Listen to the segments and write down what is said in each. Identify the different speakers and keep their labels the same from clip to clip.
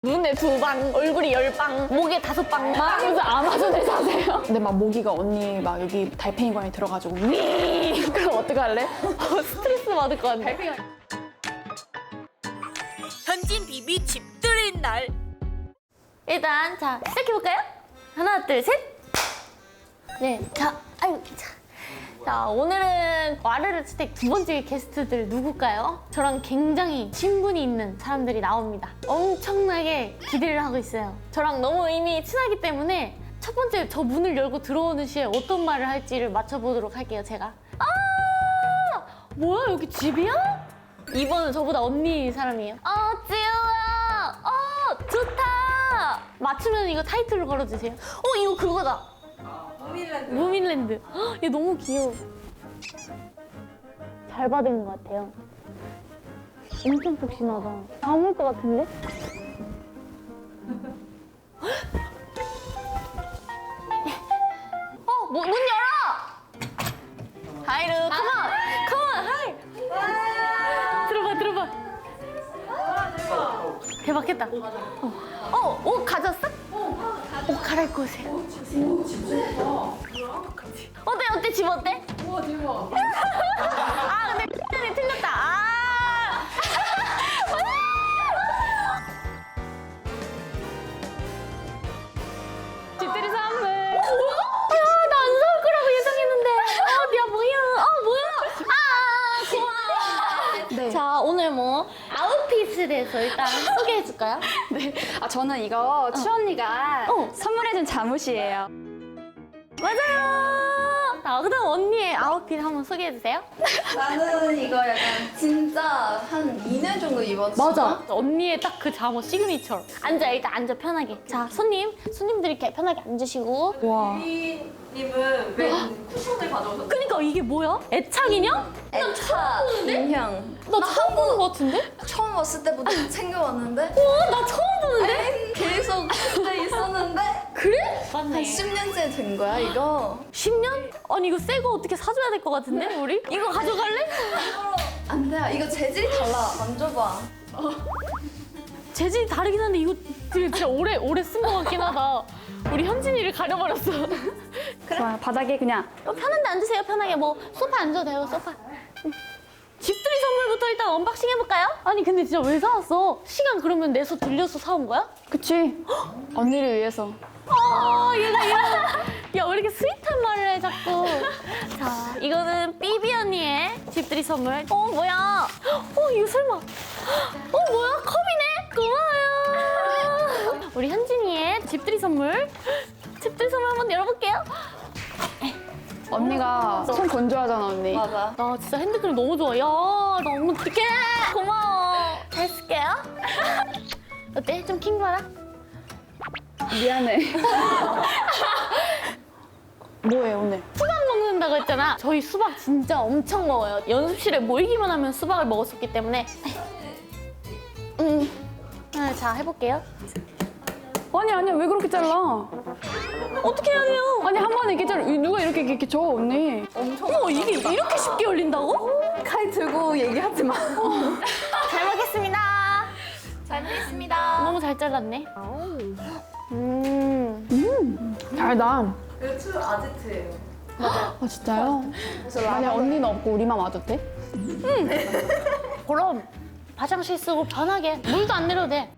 Speaker 1: 눈에 2방, 얼굴이 10방, 목에 5방 막 하면서 아마존을 사세요.
Speaker 2: 근데 막 모기가 언니 막 여기 달팽이관에 들어가지고 위 그럼 어떡할래?
Speaker 1: 스트레스 받을 것 같아.
Speaker 3: 현진 비비 집들인 날.
Speaker 1: 일단 자 시작해볼까요? 하나 둘 셋. 네, 자 오늘은 와르르 스택 2번째 게스트들 누굴까요? 저랑 굉장히 친분이 있는 사람들이 나옵니다. 엄청나게 기대를 하고 있어요. 저랑 너무 이미 친하기 때문에 첫 번째 저 문을 열고 들어오는 시에 어떤 말을 할지를 맞춰보도록 할게요. 제가 뭐야 여기 집이야? 2번은 저보다 언니 사람이에요. 지우야 좋다. 맞추면 이거 타이틀로 걸어주세요. 이거 그거다. 무민랜드. 얘 너무 귀여워. 잘 받은 것 같아요. 엄청 푹신하다. 다 올 것 같은데? 문 열어! 하이루, 컴온, 하이! 들어봐. 대박했다. 옷 가졌어? 옷 갈아입고 오세요. 어때? 집 어때? 우와, 대박. 근데 X는 틀렸다. 집들이 선물. 나 안 사올 거라고 예상했는데. 고마워.
Speaker 2: 네.
Speaker 1: 자, 오늘 아웃핏에 대해서 일단 소개해 줄까요?
Speaker 2: 네. 저는 이거 추 언니가 선물해준 잠옷이에요.
Speaker 1: 맞아요. 자, 그다음 언니의 아웃핏 한번 소개해 주세요.
Speaker 4: 나는 이거 약간 진짜 한 2년 정도 입었어.
Speaker 1: 언니의 딱 그 잠옷 시그니처. 일단 앉아 편하게. 자, 손님들이 이렇게 편하게 앉으시고.
Speaker 2: 와.
Speaker 4: 님은 왜 쿠션을 가져오셨어요?
Speaker 1: 그니까 이게 뭐야? 애착 인형?
Speaker 4: 애차 인형.
Speaker 1: 나 처음 보는 것 같은데?
Speaker 4: 처음 왔을 때부터 챙겨왔는데
Speaker 1: 나 처음 보는데?
Speaker 4: 계속 그때 있었는데
Speaker 1: 그래?
Speaker 4: 한
Speaker 1: 맞네.
Speaker 4: 10년째 된 거야 이거.
Speaker 1: 10년? 아니 이거 새 거 어떻게 사줘야 될 것 같은데 우리? 이거 가져갈래?
Speaker 4: 안 돼. 이거 재질이 달라. 만져봐.
Speaker 1: 재질이 다르긴 한데 이거 진짜 오래 쓴 것 같긴 하다. 우리 현진이를 가려버렸어.
Speaker 2: 좋아요. 바닥에 그냥
Speaker 1: 편한 데 앉으세요. 편하게 소파 앉아도 돼요. 소파. 집들이 선물부터 일단 언박싱 해볼까요? 아니 근데 진짜 왜 사왔어? 시간 그러면 내서 들려서 사온 거야?
Speaker 2: 그치? 언니를 위해서.
Speaker 1: 얘가 야, 왜 이렇게 스윗한 말을 해 자꾸. 자, 이거는 삐비 언니의 집들이 선물. 뭐야? 이거 설마. 뭐야? 컵이네? 고마워요. 우리 현진이의 집들이 선물. 집들이 선물 한번 열어볼게요.
Speaker 2: 언니가 손 건조하잖아, 언니.
Speaker 4: 맞아.
Speaker 1: 나 진짜 핸드크림 너무 좋아. 야, 나 너무 어떡해. 고마워. 잘 쓸게요. 어때? 좀 킹받아?
Speaker 2: 미안해. 뭐해, 오늘?
Speaker 1: 수박 먹는다고 했잖아. 저희 수박 진짜 엄청 먹어요. 연습실에 모이기만 하면 수박을 먹었었기 때문에. 자, 해볼게요.
Speaker 2: 아니, 왜 그렇게 잘라?
Speaker 1: 어떻게 해야 돼요?
Speaker 2: 아니, 한 번에 이렇게 잘라. 누가 이렇게 줘, 언니?
Speaker 1: 이게 이렇게 쉽게 열린다고?
Speaker 4: 칼 들고 얘기하지 마.
Speaker 1: 잘 먹겠습니다.
Speaker 4: 잘 먹겠습니다.
Speaker 1: 너무 잘 잘랐네.
Speaker 2: 달다.
Speaker 4: 이거 추 아지트예요.
Speaker 2: 진짜요? 만약 언니는 없고 우리만 와도 돼?
Speaker 1: 그럼 화장실 쓰고 편하게 물도 안 내려도 돼.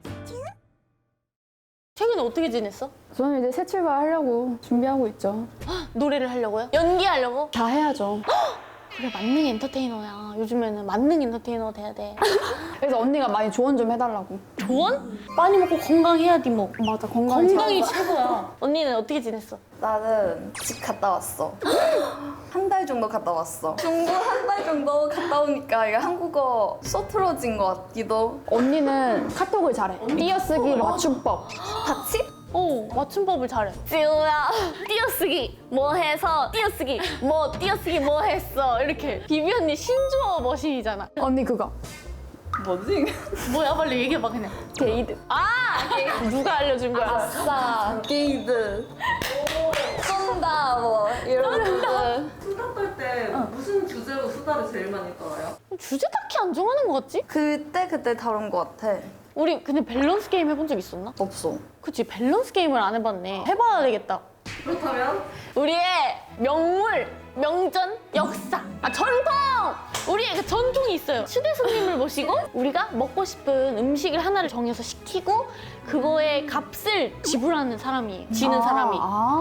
Speaker 1: 최근에 어떻게 지냈어?
Speaker 2: 저는 이제 새 출발 하려고 준비하고 있죠.
Speaker 1: 노래를 하려고요? 연기하려고?
Speaker 2: 다 해야죠.
Speaker 1: 그래, 만능 엔터테이너야. 요즘에는 만능 엔터테이너 돼야 돼.
Speaker 2: 그래서 언니가 많이 조언 좀 해달라고.
Speaker 1: 조언? 많이 먹고 건강해야지 뭐.
Speaker 2: 맞아, 건강이
Speaker 1: 건강이 최고야. 언니는 어떻게 지냈어?
Speaker 4: 나는 집 갔다 왔어. 한 달 정도 갔다 왔어. 중국 한 달 정도 갔다 오니까 이게 한국어 쏘트러진 것 같기도.
Speaker 2: 언니는 카톡을 잘해. 띄어쓰기, 맞춤법.
Speaker 4: 같이?
Speaker 1: 맞춤법을 잘해. 지우야, 띄어쓰기 뭐 해서 띄어쓰기 뭐 했어. 이렇게. 비비 언니 신조어 머신이잖아.
Speaker 2: 언니 그거.
Speaker 4: 뭐지?
Speaker 1: 뭐야, 빨리 얘기해봐 그냥.
Speaker 2: 게이드.
Speaker 1: 누가 알려준 거야?
Speaker 4: 아싸, 게이드. 쏜다, 뭐, 이런 거.
Speaker 5: 수다 떨 때 무슨 주제로 수다를 제일 많이 떨어요?
Speaker 1: 주제 딱히 안 정하는 것 같지?
Speaker 4: 그때 다른 것 같아.
Speaker 1: 우리 근데 밸런스 게임 해본 적 있었나?
Speaker 4: 없어.
Speaker 1: 그치, 밸런스 게임을 안 해봤네. 해봐야 되겠다.
Speaker 5: 그렇다면
Speaker 1: 우리의 명물, 명전, 역사, 전통! 우리의 그 전통이 있어요. 초대 손님을 모시고 우리가 먹고 싶은 음식을 하나를 정해서 시키고 그거의 값을 지불하는 사람이, 지는 사람이.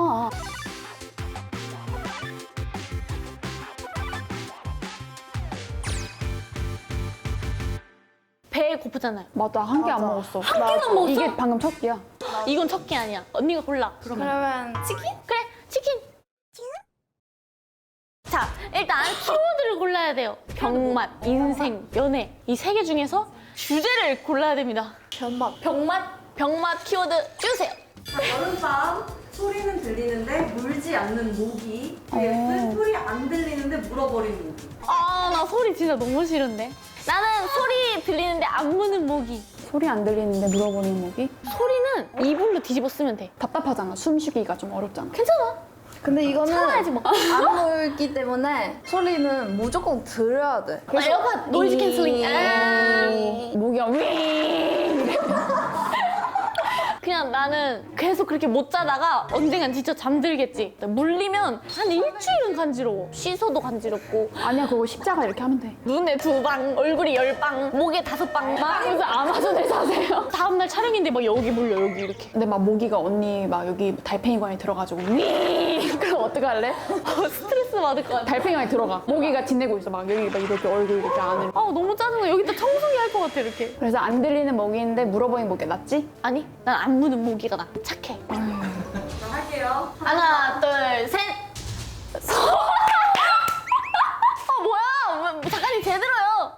Speaker 1: 배 고프잖아요.
Speaker 2: 맞아, 한 개 안 먹었어. 한
Speaker 1: 개만 먹었어?
Speaker 2: 이게 방금 첫 끼야.
Speaker 1: 이건 첫 개 아니야. 언니가 골라.
Speaker 4: 그러면 치킨?
Speaker 1: 그래, 치킨. 자, 일단 키워드를 골라야 돼요. 병맛, 인생, 연애. 이 세 개 중에서 주제를 골라야 됩니다. 병맛 키워드 주세요.
Speaker 5: 여름밤 소리는 들리는데 물지 않는 모기 vs 소리 안 들리는데 물어버리는 모기.
Speaker 1: 아, 나 소리 진짜 너무 싫은데. 나는 소리 들리는데 안 무는 모기.
Speaker 2: 소리 안 들리는데 물어보는 목이?
Speaker 1: 소리는 이불로 뒤집어 쓰면 돼.
Speaker 2: 답답하잖아. 숨쉬기가 좀 어렵잖아.
Speaker 1: 괜찮아.
Speaker 4: 근데 이거는
Speaker 1: 참아야지 뭐.
Speaker 4: 안 물기 때문에 소리는 무조건 들어야 돼.
Speaker 1: 에어팟 노이즈 캔슬링.
Speaker 2: 목이가 윙!
Speaker 1: 그냥 나는 계속 그렇게 못 자다가 언젠간 진짜 잠들겠지. 물리면 한 일주일은 간지러워. 씻어도 간지럽고.
Speaker 2: 아니야, 그거 십자가 이렇게 하면 돼.
Speaker 1: 눈에 2방, 얼굴이 10방, 목에 5방. 막
Speaker 2: 무슨 아마존에 사세요?
Speaker 1: 다음날 촬영인데 막 여기 물려, 여기 이렇게.
Speaker 2: 근데 막 모기가 언니 막 여기 달팽이관에 들어가지고 윙! 그럼 어떡할래?
Speaker 1: 스트레스 받을 것 같아.
Speaker 2: 달팽이관에 들어가. 모기가 지내고 있어. 막 여기 막 이렇게 얼굴 이렇게 안으로.
Speaker 1: 아, 너무 짜증나. 여기다 청소기 할 것 같아, 이렇게.
Speaker 2: 그래서 안 들리는 모기인데 물어보는 모기가 낫지?
Speaker 1: 아니, 난 안 무는 모기가 나. 착해.
Speaker 5: 자, 할게요.
Speaker 1: 하나, 둘, 셋. 뭐야? 작가님 제대로요.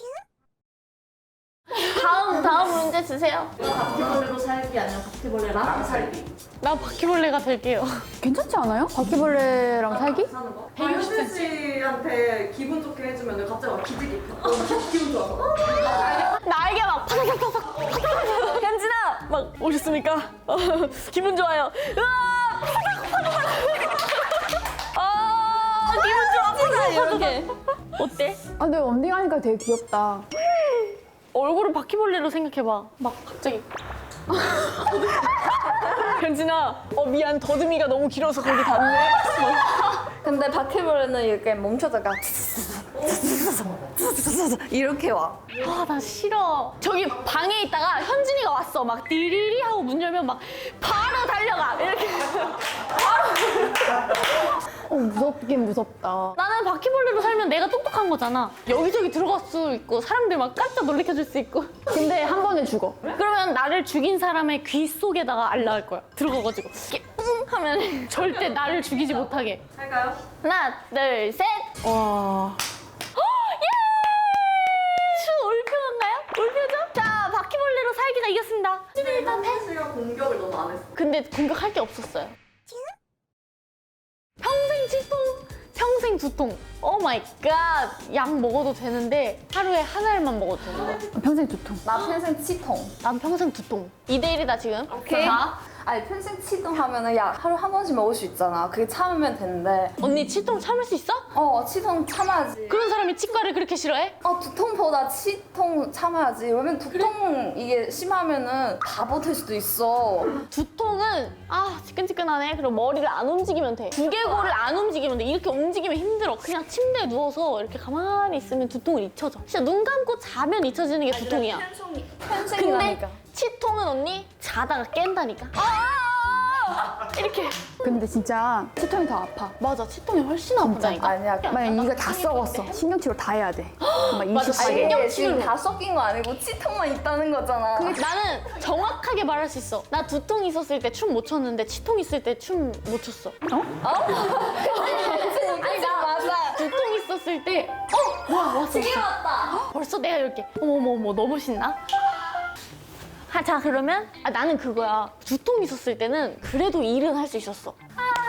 Speaker 1: 다음 문제 주세요.
Speaker 5: 바퀴벌레로 살기 아니면 바퀴벌레랑 살기.
Speaker 1: 나 바퀴벌레가 될게요.
Speaker 2: 괜찮지 않아요? 바퀴벌레랑 살기?
Speaker 5: 사는 거. 현진 씨한테 기분 좋게 해주면 갑자기 막 기지개 펴. 기분 좋아서.
Speaker 1: 날개 막 파삭파삭. 현진아, 막 오셨습니까? 기분 좋아요. 으아, 아, 기분 좋아. 이렇게. 어때?
Speaker 2: 아, 근데 언니가 하니까 되게 귀엽다.
Speaker 1: 얼굴을 바퀴벌레로 생각해봐. 막 갑자기. 현진아, 미안, 더듬이가 너무 길어서 거기 닿네.
Speaker 4: 근데 바퀴벌레는 이렇게 멈춰다가 이렇게 와.
Speaker 1: 아, 나 싫어. 저기 방에 있다가 현진이가 왔어. 막 디리리 하고 문 열면 막 바로 달려가. 이렇게.
Speaker 2: 무섭긴 무섭다.
Speaker 1: 나는 바퀴벌레로 살면 내가 똑똑한 거잖아. 여기저기 들어갈 수 있고 사람들 막 깜짝 놀래켜줄 수 있고.
Speaker 2: 근데 한 번에 죽어.
Speaker 1: 그러면 나를 죽인 사람의 귀 속에다가 알라할 거야. 들어가가지고 이렇게 뿡 하면 절대 나를 죽이지 못하게.
Speaker 5: 할까요?
Speaker 1: 하나, 둘, 셋.
Speaker 2: 와.
Speaker 1: 올표인가요? 올표죠? 자, 바퀴벌레로 살기가 이겼습니다. 일단
Speaker 5: 현진 씨가 공격을 너무 안 했어.
Speaker 1: 근데 공격할 게 없었어요. 평생 치통, 평생 두통. 오 마이 갓. 약 먹어도 되는데 하루에 한 알만 먹어도 되는 거야.
Speaker 2: 평생 두통.
Speaker 4: 나 평생 치통.
Speaker 1: 난 평생 두통. 2대1이다 지금.
Speaker 4: 오케이.
Speaker 1: 자,
Speaker 4: 아니 평생 치통 하면은 야 하루 한 번씩 먹을 수 있잖아. 그게 참으면 되는데.
Speaker 1: 언니 치통 참을 수 있어?
Speaker 4: 치통 참아야지.
Speaker 1: 그런 사람이 치과를 그렇게 싫어해?
Speaker 4: 두통보다 치통 참아야지. 왜냐면 두통 이게 심하면은 바보 될 수도 있어.
Speaker 1: 두통은 지끈지끈하네. 그럼 머리를 안 움직이면 돼. 두개골을 안 움직이면 돼. 이렇게 움직이면 힘들어. 그냥 침대에 누워서 이렇게 가만히 있으면 두통을 잊혀져. 진짜 눈 감고 자면 잊혀지는 게 두통이야. 근데
Speaker 4: 평생이라니까.
Speaker 1: 치통은 언니 자다가 깬다니까. 이렇게.
Speaker 2: 근데 진짜 치통이 더 아파.
Speaker 1: 맞아, 치통이 훨씬 아프다니까.
Speaker 4: 아니야.
Speaker 2: 만약 이가 다 썩었어. 신경치료 다 해야 돼. 막
Speaker 1: 맞아,
Speaker 2: 20개.
Speaker 1: 신경-
Speaker 4: 아니 지금 다 섞인 거 아니고 치통만 있다는 거잖아.
Speaker 1: 나는 정확하게 말할 수 있어. 나 두통 있었을 때 춤 못 췄는데 치통 있을 때 춤 못 췄어.
Speaker 4: 아니 나 맞아.
Speaker 1: 두통 있었을 때 뭐야, 왔어.
Speaker 4: 이게 맞다.
Speaker 1: 벌써 내가 이렇게 어머 너무 신나? 자, 그러면 나는 그거야. 두통 있었을 때는 그래도 일은 할 수 있었어.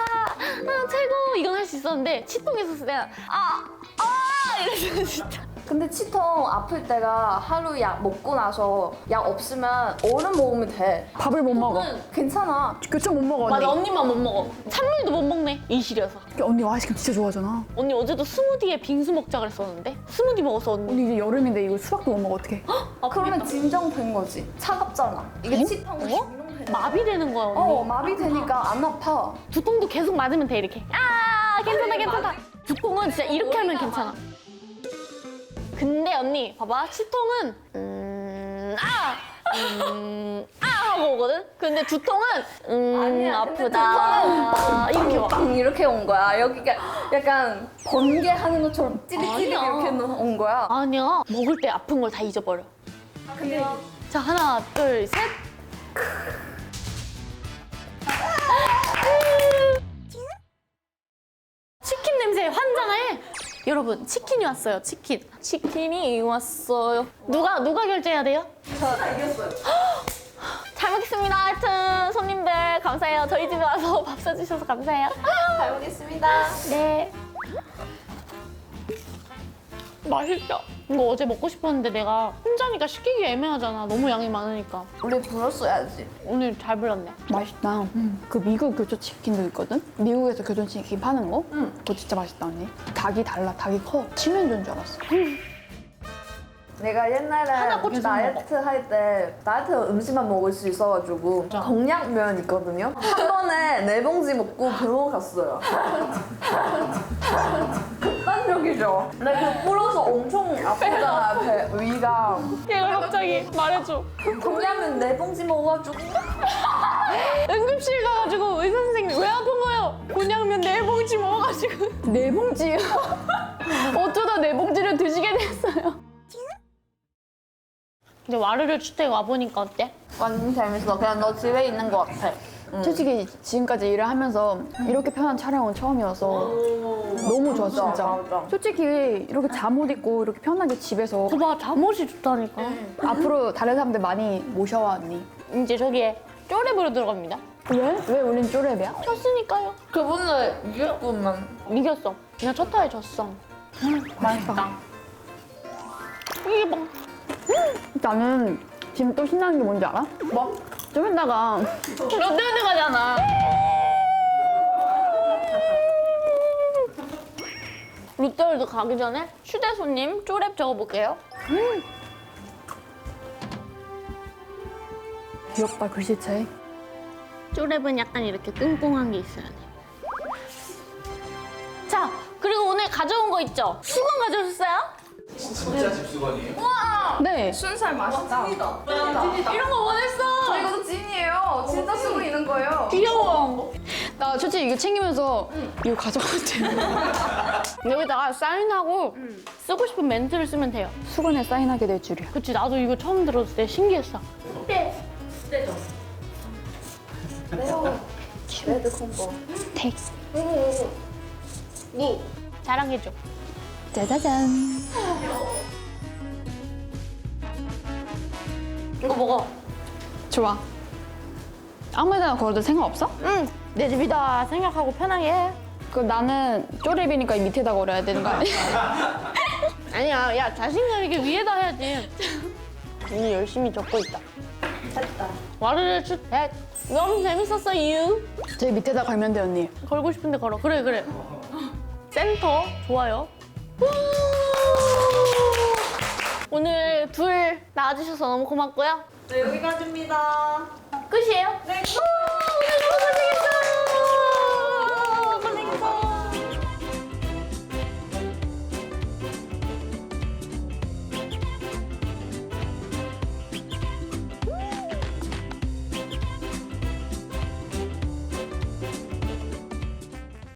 Speaker 1: 최고 이건 할 수 있었는데 치통 있었을 때는 이랬어 진짜.
Speaker 4: 근데 치통 아플 때가 하루 약 먹고 나서 약 없으면 얼음 먹으면 돼.
Speaker 2: 밥을 못 먹어.
Speaker 4: 괜찮아.
Speaker 2: 교촌 못 먹어,
Speaker 1: 맞아,
Speaker 2: 언니.
Speaker 1: 언니만 못 먹어. 찬물도 못 먹네, 이 시려서.
Speaker 2: 언니 아이스크림 진짜 좋아하잖아.
Speaker 1: 언니 어제도 스무디에 빙수 먹자 그랬었는데? 스무디 먹었어, 언니.
Speaker 2: 언니 이제 여름인데 이거 수박도 못 먹어, 어떡해.
Speaker 4: 그러면 진정된 거지. 차갑잖아. 이게 치통 진정된 거.
Speaker 1: 마비되는 거야, 언니.
Speaker 4: 마비 되니까 안 아파.
Speaker 1: 두통도 계속 맞으면 돼, 이렇게. 아, 괜찮아, 괜찮아. 두통은 진짜 이렇게 하면 괜찮아. 근데 언니, 봐봐. 치통은, 하고 오거든? 근데 두통은, 아프다. 이렇게 와.
Speaker 4: 빵 이렇게 온 거야. 여기가 약간 번개하는 것처럼 찌릿찌릿
Speaker 1: 아니야.
Speaker 4: 이렇게 온 거야.
Speaker 1: 아니야. 먹을 때 아픈 걸 다 잊어버려.
Speaker 4: 근데
Speaker 1: 자, 하나, 둘, 셋. 치킨 냄새에 환장해. 여러분, 치킨이 왔어요. 치킨이 왔어요. 누가 결제해야 돼요?
Speaker 5: 다 이겼어요.
Speaker 1: 잘 먹겠습니다. 하여튼 손님들 감사해요. 저희 집에 와서 밥 사주셔서 감사해요.
Speaker 4: 잘 먹겠습니다.
Speaker 1: 네. 맛있다. 이거 어제 먹고 싶었는데 내가 혼자니까 시키기 애매하잖아. 너무 양이 많으니까.
Speaker 4: 우리 불었어야지.
Speaker 1: 오늘 잘 불렀네.
Speaker 2: 맛있다. 그 미국 교촌 치킨도 있거든? 미국에서 교촌 치킨 파는 거? 그거 진짜 맛있다, 언니. 닭이 달라, 닭이 커. 치면조인 줄 알았어.
Speaker 4: 내가 옛날에
Speaker 1: 하나 꽂혀서
Speaker 4: 다이어트 할 때 다이어트 음식만 먹을 수 있어가지고 공약면 있거든요. 한 번에 4봉지 먹고 병원 갔어요. 극단적이죠. 근데 그 불어서 엄청 아프잖아, 위가.
Speaker 1: 얘가 갑자기 말해줘.
Speaker 4: 공약면 4봉지 먹어가지고
Speaker 1: 응급실 가가지고 의사 선생님 왜 아픈 거예요? 곤약면 4봉지 먹어가지고.
Speaker 2: 4봉지요? 어쩌다 4봉지를 드시게 됐어요.
Speaker 1: 근데 와르르 주택 와보니까 어때?
Speaker 4: 완전 재밌어. 그냥 너 집에 있는 것 같아.
Speaker 2: 솔직히 지금까지 일을 하면서 이렇게 편한 촬영은 처음이어서 너무 좋았어, 진짜.
Speaker 4: 맞아.
Speaker 2: 솔직히 이렇게 잠옷 입고 이렇게 편하게 집에서
Speaker 1: 봐봐, 잠옷이 좋다니까.
Speaker 2: 앞으로 다른 사람들 많이 모셔와, 언니.
Speaker 1: 이제 저기에 쪼렙으로 들어갑니다.
Speaker 2: 왜? 왜 우린 쪼렙이야?
Speaker 1: 졌으니까요.
Speaker 4: 그분을 이겼구만.
Speaker 1: 이겼어. 그냥 첫 타에 졌어.
Speaker 2: 맛있다.
Speaker 1: 이게 막
Speaker 2: 나는 지금 또 신나는 게 뭔지 알아? 뭐? 좀 이따가
Speaker 1: 롯데월드 가잖아. 롯데월드 가기 전에 휴대 손님 쪼렙 적어볼게요.
Speaker 2: 귀엽다, 글씨체.
Speaker 1: 쪼렙은 약간 이렇게 꿍꿍한 게 있어야 돼. 자, 그리고 오늘 가져온 거 있죠? 수건 가져오셨어요?
Speaker 6: 진짜 집수건이에요?
Speaker 2: 네.
Speaker 4: 순살 맛있다.
Speaker 1: 이런 거 원했어.
Speaker 4: 이것도 찐이에요. 진짜 쓰고 있는 거예요.
Speaker 1: 귀여워.
Speaker 2: 나 솔직히 이거 챙기면서 이거 가져갔대.
Speaker 1: 여기다가 사인하고 쓰고 싶은 멘트를 쓰면 돼요.
Speaker 2: 수건에 사인하게 될 줄이야.
Speaker 1: 그치, 나도 이거 처음 들었을 때 신기했어.
Speaker 4: 레드 콤보.
Speaker 2: 텍스.
Speaker 1: 자랑해줘.
Speaker 2: 짜자잔.
Speaker 1: 이거 먹어.
Speaker 2: 좋아. 아무 데나 걸어도 상관없어?
Speaker 1: 응, 내 집이다 생각하고 편하게 해.
Speaker 2: 그 나는 쪼렙이니까 이 밑에다 걸어야 되는 거 아니야?
Speaker 1: 아니야, 야, 자신감 있게 위에다 해야지. 언니 열심히 적고 있다.
Speaker 5: 됐다.
Speaker 1: 와르르 주택. 너무 재밌었어, 유.
Speaker 2: 저기 밑에다 걸면 돼, 언니.
Speaker 1: 걸고 싶은데 걸어. 그래. 센터, 좋아요. 오늘 둘 나와주셔서 너무 고맙고요.
Speaker 5: 네, 여기까지입니다.